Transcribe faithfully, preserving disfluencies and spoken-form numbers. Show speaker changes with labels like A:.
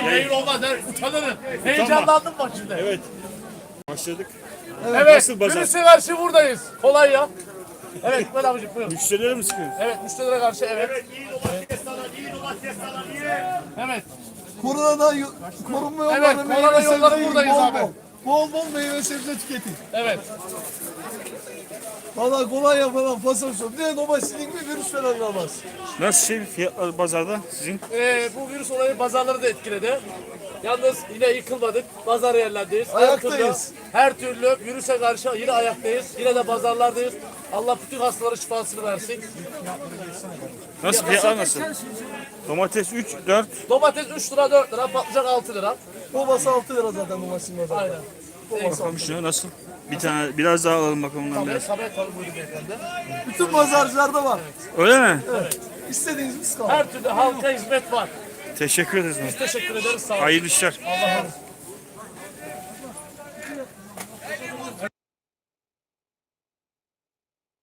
A: Yayın olmaz. Utanırım. Heyecanlandım bak şimdi.
B: Evet. Başladık.
A: Evet.
B: Nasıl pazar?
A: Virüse karşı buradayız. Kolay ya. Evet. Böyle abicim buyurun.
B: Müşterilere mi sıkıyorsun?
A: Evet. Müşterilere karşı evet. Evet. İyi domates sana. İyi domates sana. Evet.
C: Koronadan yo- korunma yolları,
A: Evet,
C: meyve
A: korona
C: sebze
A: yolları
C: yiyin,
A: buradayız
C: bol
A: abi.
C: Bol. bol bol meyve sebze tüketin.
A: Evet.
C: Valla kolay falan fasıl sor. Ne domateslik bir virüs falan kalmaz.
B: Nasıl şey fiyatlar pazarda sizin?
A: Ee, bu virüs olayı pazarları da etkiledi. Yalnız yine yıkılmadık. Pazar yerlerindeyiz. Her
C: Ayaktayız.
A: türlü, her türlü virüse karşı yine ayaktayız. Yine de pazarlardayız. Allah bütün hastalara şifasını versin.
B: Nasıl fiyatlar nasıl? Domates üç, dört.
A: Domates üç lira dört lira, patlıcan altı lira.
C: Babası altı lira zaten domatesin pazarda.
A: Aynen.
B: Bakalım şuna nasıl? Bir tane biraz daha alalım bakalım ondan
A: Tabii,
B: biraz.
A: tabii, tabii buyurun beyefendi.
C: Bütün pazarcılarda var.
B: Öyle mi?
C: İstediğiniz biz kalın.
A: Her türlü halka hizmet var.
B: Teşekkür ederiz.
A: Biz teşekkür ederiz. Sağ olun.
B: Hayırlı işler.
A: Allah razı olsun.